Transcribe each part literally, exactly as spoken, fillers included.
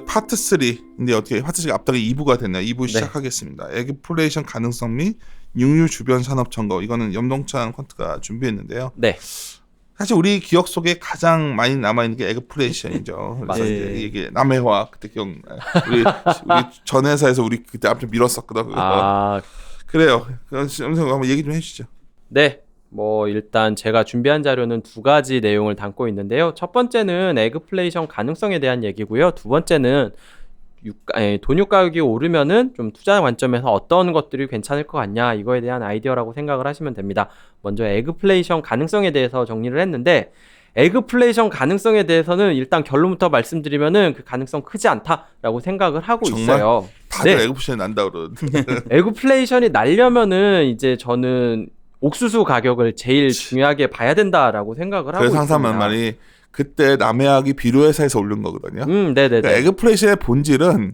파트 삼인데 어떻게 파트 삼가 앞다가 이 부가 됐나요? 이 부 네. 시작하겠습니다. 에그플레이션 가능성 및 육류 주변 산업 점거. 이거는 염동찬 퀀트가 준비했는데요. 네. 사실 우리 기억 속에 가장 많이 남아 있는 게 에그플레이션이죠. 그래서 맞아요. 이제 이게 남해화 그때 기억 우리 우리 전 회사에서 우리 그때 아무튼 밀었었거든요. 아, 그래요. 그럼 한번 얘기 좀 해주시죠. 네. 뭐 일단 제가 준비한 자료는 두 가지 내용을 담고 있는데요. 첫 번째는 에그플레이션 가능성에 대한 얘기고요. 두 번째는 유가, 에, 돈유 가격이 오르면은 좀 투자 관점에서 어떤 것들이 괜찮을 것 같냐 이거에 대한 아이디어라고 생각을 하시면 됩니다. 먼저 에그플레이션 가능성에 대해서 정리를 했는데 에그플레이션 가능성에 대해서는 일단 결론부터 말씀드리면은 그 가능성 크지 않다라고 생각을 하고 정말? 있어요. 다들 네. 에그플레이션 난다 그러는데. 에그플레이션이 날려면은 이제 저는 옥수수 가격을 제일 중요하게 봐야 된다라고 생각을 하고 그래서 있습니다. 항상 말이 그때 남해학이 비료회사에서 오른 거거든요. 음, 네네네. 그러니까 에그플레이션의 본질은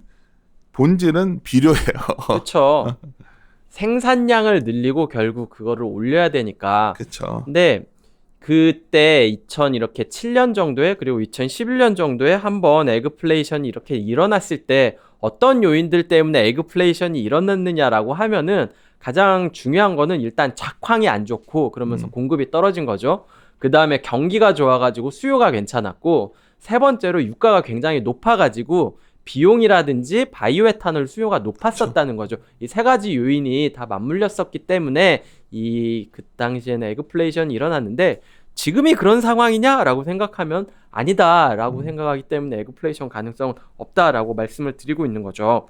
본질은 비료예요. 그렇죠. 생산량을 늘리고 결국 그거를 올려야 되니까. 그렇죠. 근데 그때 이천 이렇게 칠 년 정도에 그리고 이천십일 년 정도에 한번 에그플레이션이 이렇게 일어났을 때 어떤 요인들 때문에 에그플레이션이 일어났느냐라고 하면은 가장 중요한 거는 일단 작황이 안 좋고 그러면서 음. 공급이 떨어진 거죠. 그 다음에 경기가 좋아가지고 수요가 괜찮았고 세 번째로 유가가 굉장히 높아가지고 비용이라든지 바이오에탄올 수요가 높았었다는 거죠. 이 세 가지 요인이 다 맞물렸었기 때문에 이 그 당시에는 에그플레이션이 일어났는데 지금이 그런 상황이냐라고 생각하면 아니다라고 음. 생각하기 때문에 에그플레이션 가능성은 없다라고 말씀을 드리고 있는 거죠.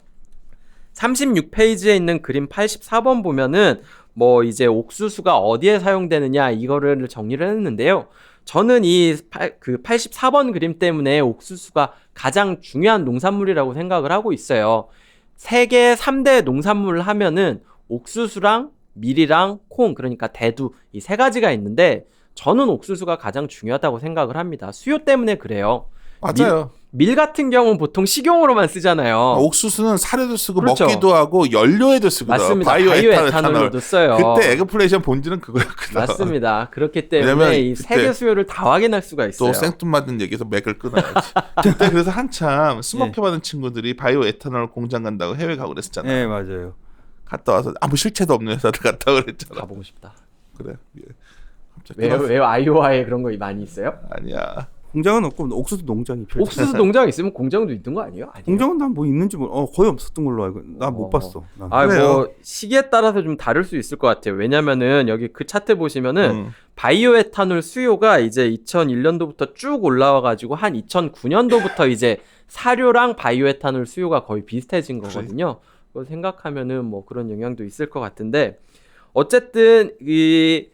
삼십육 페이지에 있는 그림 팔십사 번 보면은 뭐 이제 옥수수가 어디에 사용되느냐 이거를 정리를 했는데요. 저는 이 그 팔십사 번 그림 때문에 옥수수가 가장 중요한 농산물이라고 생각을 하고 있어요. 세계 삼 대 농산물을 하면은 옥수수랑 밀이랑 콩, 그러니까 대두 이 세 가지가 있는데 저는 옥수수가 가장 중요하다고 생각을 합니다. 수요 때문에 그래요. 맞아요. 밀, 밀 같은 경우는 보통 식용으로만 쓰잖아요. 아, 옥수수는 사료도 쓰고 그렇죠. 먹기도 하고 연료에도 쓰거든. 맞습니다. 바이오, 바이오 에탄올, 에탄올로도 써요. 그때 에그플레이션 본질은 그거였거든. 맞습니다. 그렇기 때문에 이 세계 수요를 다 확인할 수가 있어요. 또 생뚱맞은 얘기에서 맥을 끊어야지. 그때 그래서 한참 스모키 받은 친구들이 바이오 에탄올 공장 간다고 해외 가고 그랬었잖아요. 네, 맞아요. 갔다 와서 아무 실체도 없는 회사들 갔다 그랬잖아. 가보고 싶다. 그래. 예. 갑자기 왜요? 끊었어. 왜요? 아이오와에 그런 거 많이 있어요? 아니야. 공장은 없고 옥수수 농장이 펼쳐. 옥수수 농장 있으면 공장도 있는 거 아니에요? 아니에요? 공장은 난 뭐 있는지 뭐 어, 거의 없었던 걸로 알고. 나 못 어. 봤어. 난. 아, 그래요. 뭐 시기에 따라서 좀 다를 수 있을 것 같아요. 왜냐면은 여기 그 차트 보시면은 음. 바이오 에탄올 수요가 이제 이천일 년도부터 쭉 올라와 가지고 한 이천구 년도부터 이제 사료랑 바이오 에탄올 수요가 거의 비슷해진 거거든요. 그걸 생각하면은 뭐 그런 영향도 있을 것 같은데 어쨌든 이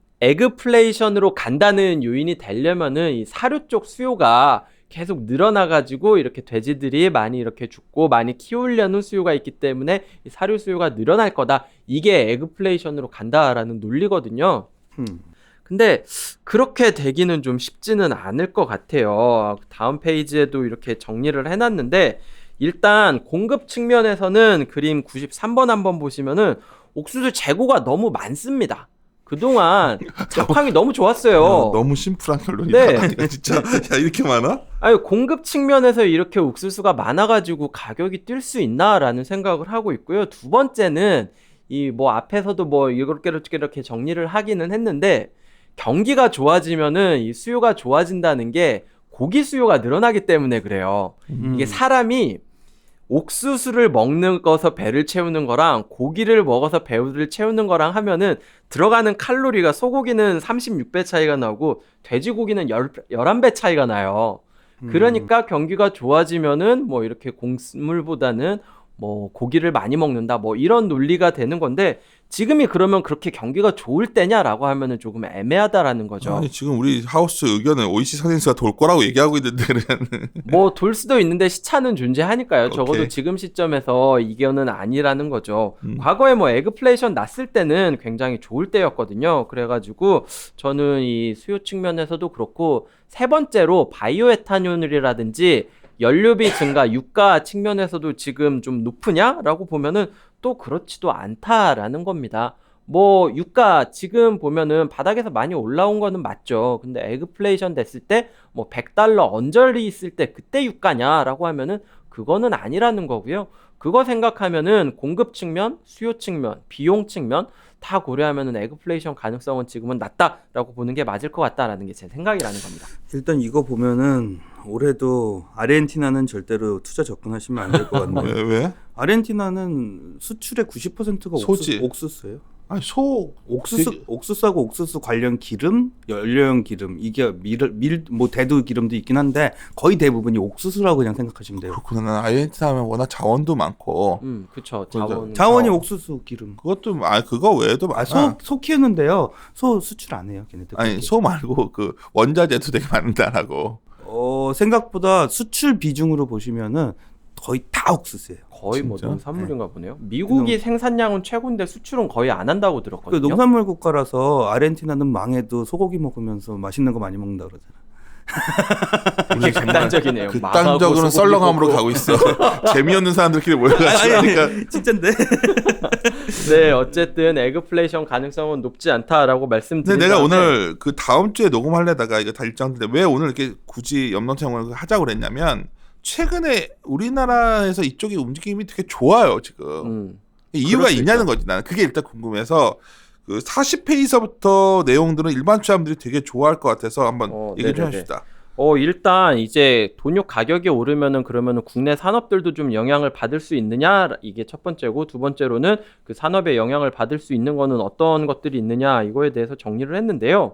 에그플레이션으로 간다는 요인이 되려면은 이 사료 쪽 수요가 계속 늘어나가지고 이렇게 돼지들이 많이 이렇게 죽고 많이 키우려는 수요가 있기 때문에 이 사료 수요가 늘어날 거다. 이게 에그플레이션으로 간다라는 논리거든요. 음. 근데 그렇게 되기는 좀 쉽지는 않을 것 같아요. 다음 페이지에도 이렇게 정리를 해놨는데 일단 공급 측면에서는 그림 구십삼 번 한번 보시면은 옥수수 재고가 너무 많습니다. 그동안 작황이 너무 좋았어요. 어, 너무 심플한 결론이다. 네. 아니야, 진짜. 야, 이렇게 많아? 아니 공급 측면에서 이렇게 옥수수가 많아가지고 가격이 뛸 수 있나라는 생각을 하고 있고요. 두 번째는 이 뭐 앞에서도 뭐 이렇게 이렇게 이렇게 정리를 하기는 했는데 경기가 좋아지면은 이 수요가 좋아진다는 게 고기 수요가 늘어나기 때문에 그래요. 음. 이게 사람이 옥수수를 먹는 거서 배를 채우는 거랑 고기를 먹어서 배를 채우는 거랑 하면은 들어가는 칼로리가 소고기는 삼십육 배 차이가 나고 돼지고기는 열한 배 차이가 나요. 그러니까 경기가 좋아지면은 뭐 이렇게 곡물보다는 뭐 고기를 많이 먹는다 뭐 이런 논리가 되는 건데 지금이 그러면 그렇게 경기가 좋을 때냐라고 하면은 조금 애매하다라는 거죠. 아니, 지금 우리 하우스 의견은 오이시 선생수가 돌 거라고 얘기하고 있는데 그냥. 뭐 돌 수도 있는데 시차는 존재하니까요. 오케이. 적어도 지금 시점에서 이견은 아니라는 거죠. 음. 과거에 뭐 에그플레이션 났을 때는 굉장히 좋을 때였거든요. 그래가지고 저는 이 수요 측면에서도 그렇고 세 번째로 바이오 에탄올이라든지 연료비 증가, 유가 측면에서도 지금 좀 높으냐라고 보면은 또 그렇지도 않다라는 겁니다. 뭐 유가 지금 보면은 바닥에서 많이 올라온 거는 맞죠. 근데 에그플레이션 됐을 때 뭐 백 달러 언저리 있을 때 그때 유가냐라고 하면은 그거는 아니라는 거고요. 그거 생각하면은 공급 측면, 수요 측면, 비용 측면 다 고려하면은 에그플레이션 가능성은 지금은 낮다라고 보는 게 맞을 것 같다라는 게 제 생각이라는 겁니다. 일단 이거 보면은 올해도 아르헨티나는 절대로 투자 접근하시면 안 될 것 같네요. 왜? 왜? 아르헨티나는 수출의 구십 퍼센트가 소지. 옥수, 옥수수예요. 아니 소 옥수수 되게- 옥수수하고 옥수수 관련 기름, 연료용 기름 이게 밀밀뭐 대두 기름도 있긴 한데 거의 대부분이 옥수수라고 그냥 생각하시면 돼요. 그렇구나. 난 아르헨티나 하면 워낙 자원도 많고 음, 그쵸. 그죠. 자원. 자원이 어. 옥수수 기름. 그것도 아 그거 외에도 많아. 아소 소 키우는데요. 소 수출 안 해요, 걔네들. 아니 소 말고 그 원자재도 되게 많다라고. 어 생각보다 수출 비중으로 보시면은 거의 다 옥수수예요. 거의 뭐 진짜? 농산물인가 보네요. 미국이 생산량은 최고인데 수출은 거의 안 한다고 그 들었거든요. 농산물 국가라서 아르헨티나는 망해도 소고기 먹으면서 맛있는 거 많이 먹는다 그러잖아. 되게 극단적이네요. 극단적으로 망하고 썰렁함으로 소고기 가고 있어. 재미없는 사람들끼리 모여가지고 하니까 진짠데. 네, 어쨌든 에그플레이션 가능성은 높지 않다라고 근데 말씀드린 내가 다음에 오늘 그 다음 주에 녹음하려다가 이거 다 일정인데 왜 오늘 이렇게 굳이 염동체험을 하자고 그랬냐면 최근에 우리나라에서 이쪽의 움직임이 되게 좋아요 지금. 음, 이유가 그럴 수 있냐는 있죠. 거지. 나는 그게 일단 궁금해서 그 사십 회에서부터 내용들은 일반 투자자분들이 되게 좋아할 것 같아서 한번 어, 얘기 좀 네네네. 해줍시다. 어 일단 이제 돈육 가격이 오르면은 그러면은 국내 산업들도 좀 영향을 받을 수 있느냐 이게 첫 번째고 두 번째로는 그 산업에 영향을 받을 수 있는 거는 어떤 것들이 있느냐 이거에 대해서 정리를 했는데요.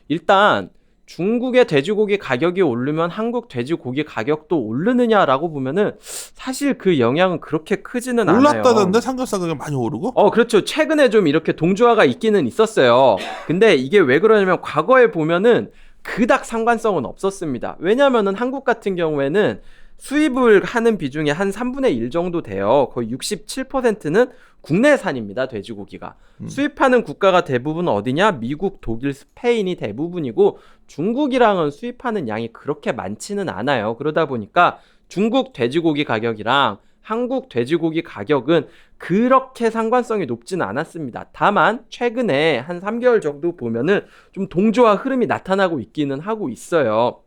일단 중국의 돼지고기 가격이 오르면 한국 돼지고기 가격도 오르느냐라고 보면은 사실 그 영향은 그렇게 크지는 않아요. 올랐다던데 삼겹살 가격 많이 오르고? 어, 그렇죠. 최근에 좀 이렇게 동조화가 있기는 있었어요. 근데 이게 왜 그러냐면 과거에 보면은 그닥 상관성은 없었습니다. 왜냐면은 한국 같은 경우에는 수입을 하는 비중이 한 삼분의 일 정도 돼요. 거의 육십칠 퍼센트는 국내산입니다. 돼지고기가. 음. 수입하는 국가가 대부분 어디냐? 미국, 독일, 스페인이 대부분이고 중국이랑은 수입하는 양이 그렇게 많지는 않아요. 그러다 보니까 중국 돼지고기 가격이랑 한국 돼지고기 가격은 그렇게 상관성이 높지는 않았습니다. 다만 최근에 한 삼 개월 정도 보면은 좀 동조화 흐름이 나타나고 있기는 하고 있어요.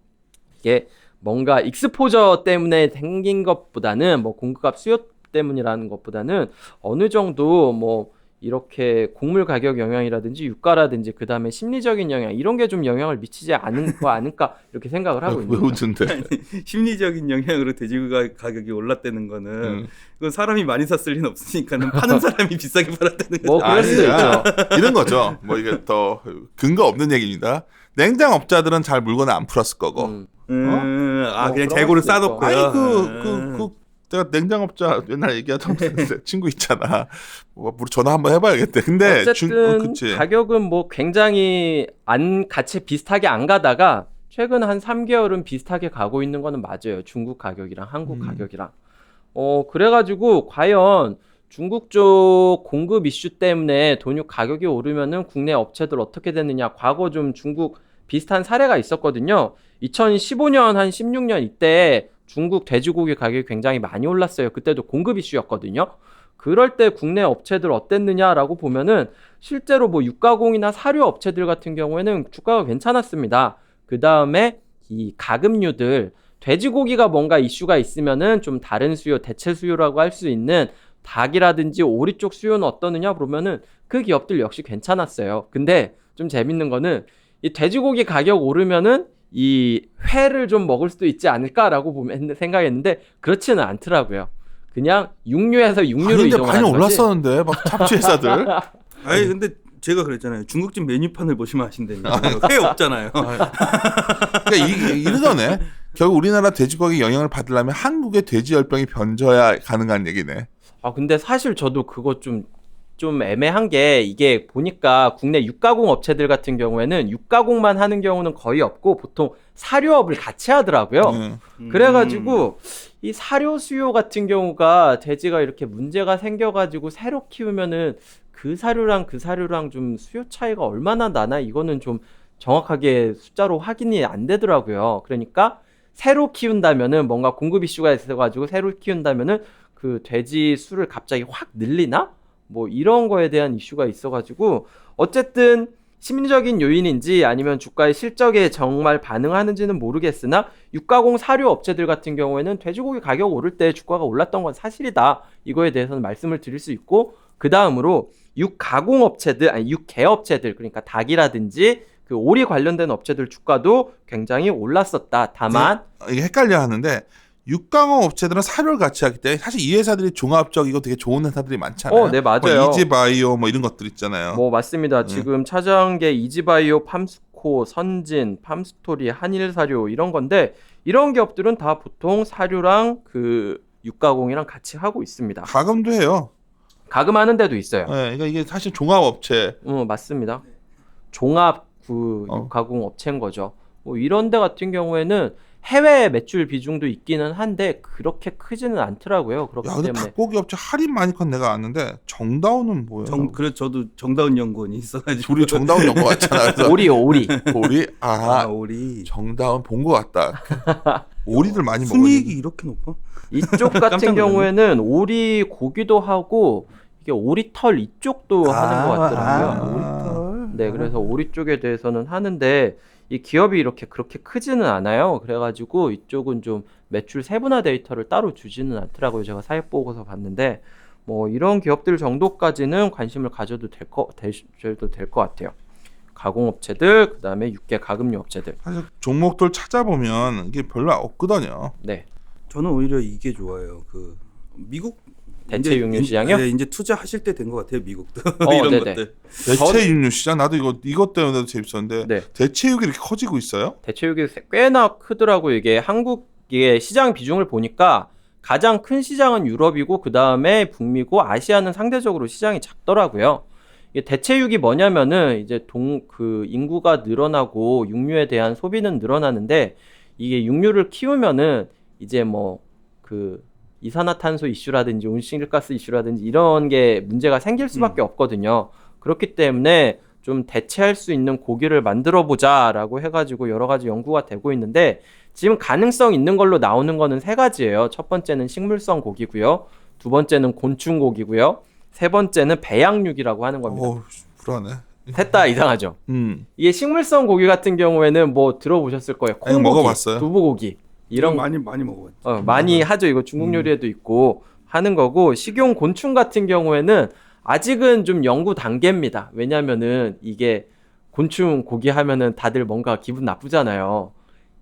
이게 뭔가 익스포저 때문에 생긴 것보다는 뭐 공급값 수요 때문이라는 것보다는 어느 정도 뭐 이렇게 곡물 가격 영향이라든지 유가라든지 그 다음에 심리적인 영향 이런 게 좀 영향을 미치지 않은 거 아닐까 이렇게 생각을 하고 왜 있는 거죠. 웃는데? 심리적인 영향으로 돼지고기 가격이 올랐다는 거는 음. 그건 사람이 많이 샀을 리는 없으니까는 파는 사람이 비싸게 팔았다는 거죠. 뭐 그럴 수도 아니야. 있죠. 이런 거죠. 뭐 이게 더 근거 없는 얘기입니다. 냉장업자들은 잘 물건을 안 풀었을 거고. 음. 음, 아 뭐 그냥 그런 재고를 수도 있고. 싸놓고요. 아니 그 그 음. 그 내가 냉장업자 옛날 얘기하던 친구 있잖아. 뭐 우리 전화 한번 해봐야겠대. 근데 어쨌든 중, 어, 그치. 가격은 뭐 굉장히 안 같이 비슷하게 안 가다가 최근 한 삼 개월은 비슷하게 가고 있는 거는 맞아요. 중국 가격이랑 한국 음. 가격이랑. 어 그래가지고 과연 중국 쪽 공급 이슈 때문에 돈육 가격이 오르면은 국내 업체들 어떻게 됐느냐. 과거 좀 중국 비슷한 사례가 있었거든요. 이천십오 년 한 십육 년 이때 중국 돼지고기 가격이 굉장히 많이 올랐어요. 그때도 공급 이슈였거든요. 그럴 때 국내 업체들 어땠느냐라고 보면은 실제로 뭐 육가공이나 사료 업체들 같은 경우에는 주가가 괜찮았습니다. 그 다음에 이 가금류들 돼지고기가 뭔가 이슈가 있으면은 좀 다른 수요, 대체 수요라고 할 수 있는 닭이라든지 오리 쪽 수요는 어떠느냐 그러면은 그 기업들 역시 괜찮았어요. 근데 좀 재밌는 거는 이 돼지고기 가격 오르면은 이 회를 좀 먹을 수도 있지 않을까라고 보면 생각했는데 그렇지는 않더라고요. 그냥 육류에서 육류로 아닌데 이동하는 많이 거지. 올랐었는데 막 잡지 회사들. 아니 근데 제가 그랬잖아요. 중국집 메뉴판을 보시면 아신다니까. 회 없잖아요. 그러니까 이, 이러더네. 결국 우리나라 돼지고기 영향을 받으려면 한국의 돼지 열병이 번져야 가능한 얘기네. 아 근데 사실 저도 그거 좀 좀 애매한 게 이게 보니까 국내 육가공 업체들 같은 경우에는 육가공만 하는 경우는 거의 없고 보통 사료업을 같이 하더라고요. 음. 음. 그래가지고 이 사료 수요 같은 경우가 돼지가 이렇게 문제가 생겨가지고 새로 키우면은 그 사료랑 그 사료랑 좀 수요 차이가 얼마나 나나 이거는 좀 정확하게 숫자로 확인이 안 되더라고요. 그러니까 새로 키운다면은 뭔가 공급 이슈가 있어가지고 새로 키운다면은 그 돼지 수를 갑자기 확 늘리나? 뭐 이런 거에 대한 이슈가 있어가지고 어쨌든 심리적인 요인인지 아니면 주가의 실적에 정말 반응하는지는 모르겠으나 육가공 사료 업체들 같은 경우에는 돼지고기 가격 오를 때 주가가 올랐던 건 사실이다. 이거에 대해서는 말씀을 드릴 수 있고, 그 다음으로 육가공 업체들, 아니 육개 업체들, 그러니까 닭이라든지 그 오리 관련된 업체들 주가도 굉장히 올랐었다. 다만 이게 헷갈려 하는데 육강업 업체들은 사료를 같이 하기 때문에 사실 이 회사들이 종합적이고 되게 좋은 회사들이 많잖아요. 어, 네, 맞아요. 뭐 이지바이오 뭐 이런 것들 있잖아요. 뭐 맞습니다. 네. 지금 찾아온 게 이지바이오, 팜스코, 선진, 팜스토리, 한일사료 이런 건데, 이런 기업들은 다 보통 사료랑 그 육가공이랑 같이 하고 있습니다. 가금도 해요. 가금하는 데도 있어요. 네, 그러니까 이게 사실 종합 업체. 어, 맞습니다. 종합 그 어. 육가공 업체인 거죠. 뭐 이런 데 같은 경우에는 해외 매출 비중도 있기는 한데 그렇게 크지는 않더라고요. 그렇기 야, 근데 때문에 닭고기 업체 할인 많이 건 내가 아는데 정다운은 뭐예요? 정, 그래 저도 정다운 연구원이 있어가지고 둘이 정다운 연거 같잖아. 그래서 오리요, 오리. 오리 아 아 우리 정다운 본 것 같다. 오리들 많이 먹어. 순이익이 이렇게 높아? 이쪽 깜짝 같은 놀랐네. 경우에는 오리 고기도 하고 이게 오리털 이쪽도 하는 것 같더라고요. 아, 네, 그래서 오리 쪽에 대해서는 하는데 이 기업이 이렇게 그렇게 크지는 않아요. 그래가지고 이쪽은 좀 매출 세분화 데이터를 따로 주지는 않더라고요. 제가 사업 보고서 봤는데 뭐 이런 기업들 정도까지는 관심을 가져도 될 거, 되셔도 될 것 같아요. 가공업체들, 그 다음에 육개 가금류 업체들. 사실 종목들 찾아보면 이게 별로 없거든요. 네, 저는 오히려 이게 좋아요. 그 미국 대체 이제- 육류 시장이요? 네, 이제 투자하실 때 된 것 같아요. 미국도 어, 이런 네네. 것들. 대체 육류 시장 나도 이거 이것 때문에도 재밌었는데 네. 대체육이 이렇게 커지고 있어요? 대체육이 꽤나 크더라고요. 이게 한국의 시장 비중을 보니까 가장 큰 시장은 유럽이고 그 다음에 북미고 아시아는 상대적으로 시장이 작더라고요. 이게 대체육이 뭐냐면은 이제 동 그 인구가 늘어나고 육류에 대한 소비는 늘어나는데 이게 육류를 키우면은 이제 뭐 그 이산화탄소 이슈라든지 온실가스 이슈라든지 이런 게 문제가 생길 수밖에 없거든요. 그렇기 때문에 좀 대체할 수 있는 고기를 만들어 보자라고 해가지고 여러 가지 연구가 되고 있는데 지금 가능성 있는 걸로 나오는 거는 세 가지예요. 첫 번째는 식물성 고기고요. 두 번째는 곤충 고기고요. 세 번째는 배양육이라고 하는 겁니다. 어, 불안해. 셋 다 이상하죠. 음. 이게 식물성 고기 같은 경우에는 뭐 들어보셨을 거예요. 아니, 콩고기, 먹어봤어요. 두부고기 이런 많이 많이 먹어봤죠. 어, 많이 하죠. 이거 중국 요리에도 있고 하는 거고, 식용 곤충 같은 경우에는 아직은 좀 연구 단계입니다. 왜냐면은 이게 곤충 고기 하면은 다들 뭔가 기분 나쁘잖아요.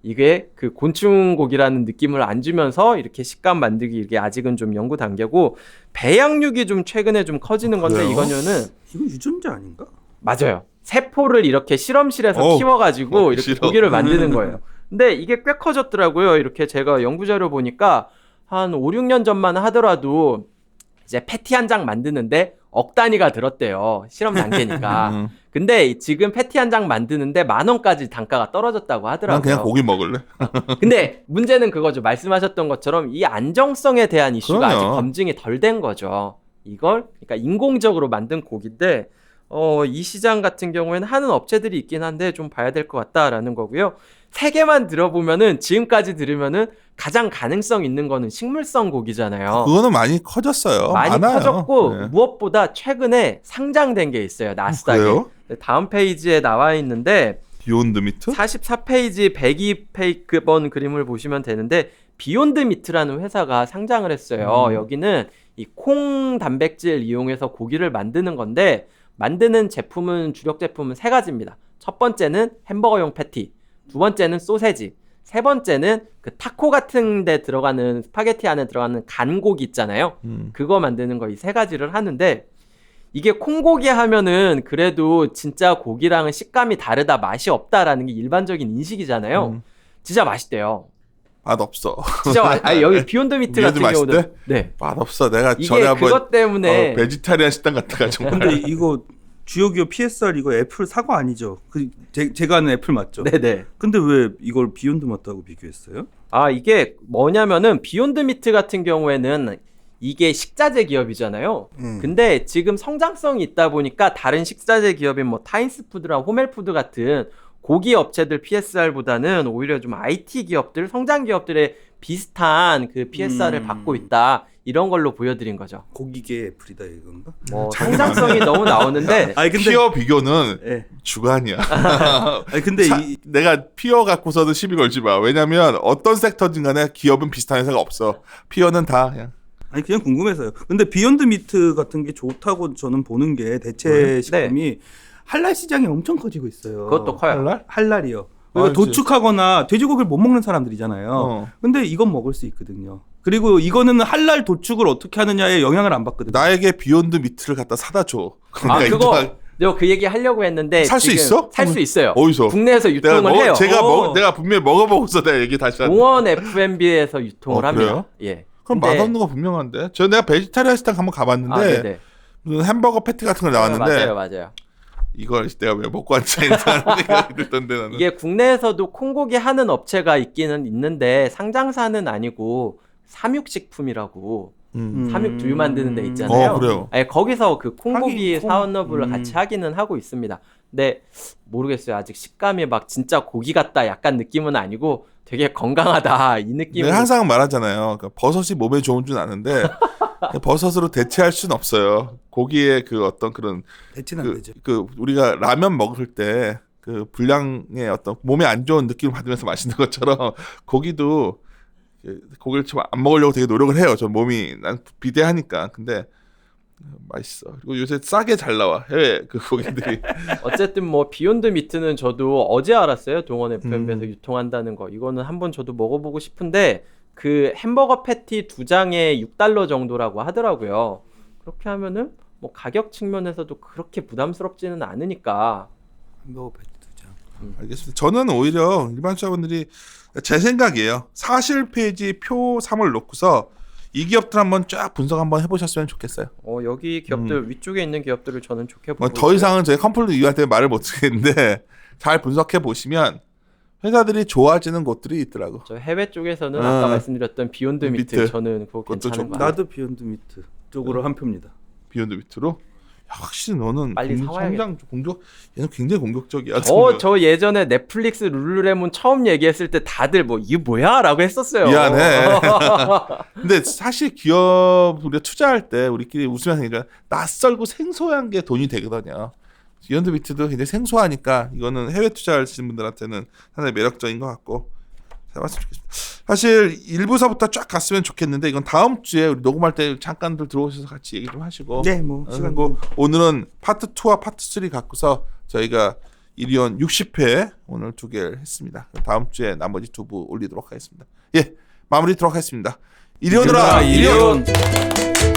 이게 그 곤충 고기라는 느낌을 안 주면서 이렇게 식감 만들기, 이게 아직은 좀 연구 단계고, 배양육이 좀 최근에 좀 커지는 건데 그래요? 이거는 이거 유전자 아닌가? 맞아요. 세포를 이렇게 실험실에서 어우, 키워가지고 어, 이렇게 싫어. 고기를 만드는 거예요. 근데 이게 꽤 커졌더라고요. 이렇게 제가 연구자료 보니까 한 오, 육 년 전만 하더라도 이제 패티 한 장 만드는데 억 단위가 들었대요. 실험 단계니까. 음. 근데 지금 패티 한 장 만드는데 만 원까지 단가가 떨어졌다고 난 하더라고요. 그냥 고기 먹을래. 근데 문제는 그거죠. 말씀하셨던 것처럼 이 안정성에 대한 이슈가 그럼요. 아직 검증이 덜 된 거죠. 이걸 그러니까 인공적으로 만든 고기인데 어, 이 시장 같은 경우에는 하는 업체들이 있긴 한데 좀 봐야 될 것 같다라는 거고요. 세 개만 들어보면은 지금까지 들으면은 가장 가능성 있는 거는 식물성 고기잖아요. 그거는 많이 커졌어요. 많이 많아요. 커졌고 네. 무엇보다 최근에 상장된 게 있어요. 나스닥에. 그래요? 다음 페이지에 나와 있는데 비욘드 미트? 사십사 페이지 백이 번 그림을 보시면 되는데 비욘드 미트라는 회사가 상장을 했어요. 음. 여기는 이 콩 단백질 이용해서 고기를 만드는 건데 만드는 제품은 주력 제품은 세 가지입니다. 첫 번째는 햄버거용 패티, 두 번째는 소세지, 세 번째는 그 타코 같은 데 들어가는 스파게티 안에 들어가는 간고기 있잖아요. 음. 그거 만드는 거 이 세 가지를 하는데 이게 콩고기 하면은 그래도 진짜 고기랑은 식감이 다르다, 맛이 없다라는 게 일반적인 인식이잖아요. 음. 진짜 맛있대요. 맛 없어. 진짜 맛. 아니 여기 비욘드 미트 같은 비욘드 경우는 맛있대? 네. 맛 없어. 내가 이게 전에 한번 그것 때문에 어, 베지타리안 식당 갔다가 정말 근데 이거 주요 기업 피에스알 이거 애플 사과 아니죠? 그 제, 제가 아는 애플 맞죠? 네네. 근데 왜 이걸 비욘드 마트하고 비교했어요? 아 이게 뭐냐면은 비욘드 미트 같은 경우에는 이게 식자재 기업이잖아요. 음. 근데 지금 성장성이 있다 보니까 다른 식자재 기업인 뭐 타인스푸드랑 호멜푸드 같은 고기 업체들 피에스알보다는 오히려 좀 아이티 기업들, 성장 기업들의 비슷한 그 피에스알을 음. 받고 있다. 이런 걸로 보여드린 거죠. 고기계 애플이다 이건가? 뭐 상장성이 너무 나오는데 아니 근데 피어 비교는 예. 주관이야. 아니 근데 사- 이, 내가 피어 갖고서는 시비 걸지 마. 왜냐면 어떤 섹터든 간에 기업은 비슷한 회사가 없어. 피어는 다 그냥 아니 그냥 궁금해서요. 근데 비욘드 미트 같은 게 좋다고 저는 보는 게 대체 네. 식품이 할랄 시장이 엄청 커지고 있어요. 그것도 커요. 할랄? 할랄이요. 그러니까 알지. 도축하거나 돼지고기를 못 먹는 사람들이잖아요. 어. 근데 이건 먹을 수 있거든요. 그리고 이거는 할랄 도축을 어떻게 하느냐에 영향을 안 받거든요. 나에게 비욘드 미트를 갖다 사다 줘. 아 내가 그거 이따- 내가 그 얘기 하려고 했는데 살 수 지금 있어? 살 수 있어요. 어디서? 국내에서 내가 유통을 먹, 해요. 제가 어. 먹, 내가 분명히 먹어보고서 내가 얘기 다시 하는데. 공원 에프엠비에서 유통을 어, 합니다. 그래요? 예. 그럼 근데- 맛없는 거 분명한데. 저 내가 베지타리안 식당 한번 가봤는데 아, 네네. 무슨 햄버거 패티 같은 거 나왔는데 맞아요, 맞아요. 이걸 내가 왜 먹고 앉아 있는 생각이 들던데 나는. 이게 국내에서도 콩고기 하는 업체가 있기는 있는데 상장사는 아니고 삼육식품이라고 음. 삼육 두유 만드는 데 있잖아요. 어, 그래요. 아니, 거기서 그 콩고기 하긴 콩- 사업을 음. 같이 하기는 하고 있습니다. 근데 모르겠어요. 아직 식감이 막 진짜 고기 같다 약간 느낌은 아니고 되게 건강하다 이 느낌으로. 내가 항상 말하잖아요. 그러니까 버섯이 몸에 좋은 줄 아는데 버섯으로 대체할 수는 없어요. 고기의 그 어떤 그런 대체는 안 그, 되죠. 그 우리가 라면 먹을 때 그 불량의 어떤 몸에 안 좋은 느낌을 받으면서 마시는 것처럼 고기도 그 고기를 좀 안 먹으려고 되게 노력을 해요. 저 몸이 난 비대하니까. 근데 맛있어. 그리고 요새 싸게 잘 나와 해외 그 고기들이. 어쨌든 뭐 비욘드 미트는 저도 어제 알았어요. 동원 에프엠에서 음. 유통한다는 거. 이거는 한번 저도 먹어보고 싶은데 그 햄버거 패티 두 장에 육 달러 정도라고 하더라고요. 그렇게 하면은 뭐 가격 측면에서도 그렇게 부담스럽지는 않으니까. 햄버거 패티 두 장. 알겠습니다. 저는 오히려 일반 투자분들이 제 생각이에요. 사실 페이지 표 삼을 놓고서 이 기업들 한번 쫙 분석 한번 해보셨으면 좋겠어요. 어 여기 기업들 위쪽에 있는 기업들을 저는 좋게 보고 뭐 더 이상은 저희 컴플릿 이유한테 말을 못 드리겠는데 잘 분석해 보시면 회사들이 좋아지는 곳들이 있더라고. 저 해외 쪽에서는 아. 아까 말씀드렸던 비욘드 미트, 미트. 저는 그거 그것도 괜찮은 좋고. 거 같아요. 나도 비욘드 미트 쪽으로 한 표입니다. 비욘드 미트로. 야, 확실히 너는 빨리 공- 사와야겠다. 성장 공격 얘는 굉장히 공격적이야. 어, 저 예전에 넷플릭스 룰루레몬 처음 얘기했을 때 다들 뭐 이게 뭐야? 라고 했었어요. 미안해. 근데 사실 기업 우리가 투자할 때 우리끼리 웃으면서 얘기하잖아. 낯설고 생소한 게 돈이 되거든요. 비욘드 미트도 굉장히 생소하니까 이거는 해외 투자하시는 분들한테는 상당히 매력적인 것 같고 해봤으면 좋겠습니다. 사실 일부서부터 쫙 갔으면 좋겠는데 이건 다음 주에 우리 녹음할 때 잠깐들 들어오셔서 같이 얘기 좀 하시고 네, 뭐 어, 시간 그리고 오늘은 파트 이와 파트 삼 갖고서 저희가 일위원 육십 회 오늘 두 개를 했습니다. 다음 주에 나머지 두 부 올리도록 하겠습니다. 예, 마무리 하도록 하겠습니다. 일위원으로 일위원으로 일위원. 일위원.